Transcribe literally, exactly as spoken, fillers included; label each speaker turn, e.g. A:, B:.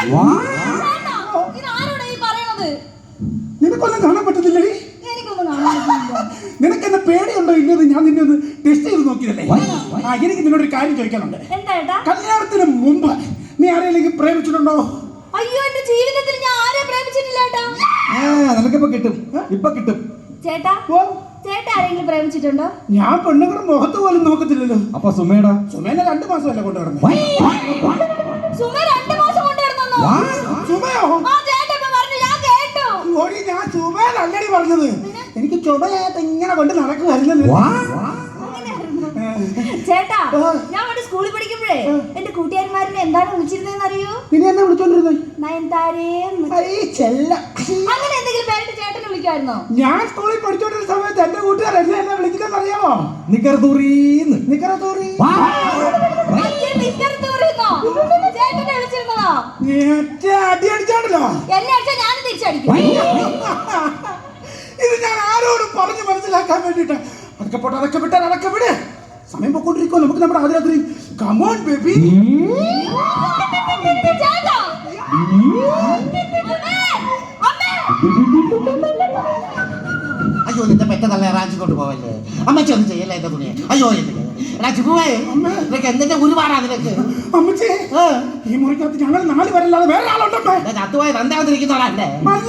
A: നിനക്കൊന്നും കാണാൻ പറ്റത്തില്ലേ? നിനക്ക് എന്നെ പേടിയുണ്ടോ ഇല്ലത് ഞാൻ നിന്നെ ഒന്ന് ടെസ്റ്റ് ചെയ്ത് നോക്കിയതല്ലേ? ആ എനിക്ക് നിന്നോടൊരു കാര്യം ചോദിക്കാനുണ്ട്. കല്യാണത്തിന് മുമ്പ് നീ ആരെങ്കിലും പ്രേമിച്ചിട്ടുണ്ടോ?
B: അയ്യോ, എന്റെ ജീവിതത്തിൽ ഞാൻ ആരെ പ്രേമിച്ചിട്ടില്ല ഏട്ടാ.
A: നിനക്കിപ്പോ കിട്ടും, ഇപ്പൊ കിട്ടും.
B: ചേട്ടാ ചേട്ടാ ആരെങ്കിലും പ്രേമിച്ചിട്ടുണ്ടോ?
A: ഞാൻ പെണ്ണുങ്ങളുടെ മുഖത്ത് പോലും നോക്കത്തില്ലല്ലോ.
C: അപ്പൊ സുമേടാ?
A: സുമേനെ രണ്ടു മാസമല്ലേ കൊണ്ടുവരുന്നത്?
B: സുമ രണ്ടു മാസം കൊണ്ടുവരുന്നോ?
A: സുമയോ? ഞാൻ ചുമയല്ലടി പറഞ്ഞത്. എനിക്ക് ചുമയായിട്ട് ഇങ്ങനെ കൊണ്ട് നടക്കുവായിരുന്നല്ലോ.
B: ചേട്ടാ, ഞാൻ അവിടെ സ്കൂളിൽ പഠിക്കുമ്പോഴേ എന്റെ കൂട്ടുകാരന്മാരിനെ എന്താണ് വിളിച്ചിരുന്നതെന്ന് അറിയോ?
A: പിന്നെ എന്നെ വിളിച്ചോണ്ടിരുന്നത്
B: നയൻതാരേ. അങ്ങനെ എന്തെങ്കിലും പേരിട്ട് ചേട്ടനെ വിളിക്കായിരുന്നോ?
A: ഞാൻ സ്കൂളിൽ പഠിച്ചോണ്ടിരുന്ന സമയത്ത് എന്റെ കൂട്ടുകാർ എന്നെ എന്നെ വിളിക്കുന്നത് അറിയാമോ?
C: നിക്കറതൂറിന്ന്.
A: നിക്കറതൂറി
B: ചേട്ടനെ വിളിച്ചിരുന്നതോ?
A: അടി അടിച്ചാണല്ലോ.
B: എന്നെ അടിച്ചാൽ ഞാനും തിരിച്ചടിക്കും.
A: ഇത് ഞാൻ ആരോടും പറഞ്ഞു മനസ്സിലാക്കാൻ വേണ്ടിട്ട്. അതൊക്കെ പോട്ടെ, അതൊക്കെ വിട്ടാൽ അതൊക്കെ വിട്. സമയം പൊക്കോണ്ടിരിക്കോ. നമുക്ക് നമ്മുടെ ആദ്യ രാത്രി കമോൺ ബേബി.
D: അയ്യോ, നിന്റെ പെറ്റതല്ലേ റാഞ്ചി കൊണ്ട് പോവല്ലേ? അമ്മച്ചി ഒന്നും ചെയ്യല്ലേ എന്റെ തുണിയെ? അയ്യോ, രാജിപ്പോവേ നിനക്ക് എന്തിന്റെ ഒരുപാടാ നിനക്ക്?
A: അമ്മച്ചേ, ഈ മുറിക്കകത്ത് ഞങ്ങൾ നാല് പേരല്ലാതെ വേറെ ആളുണ്ടോ?
D: ചത്തുപോയ തന്തയാതിരിക്കുന്നോളാ.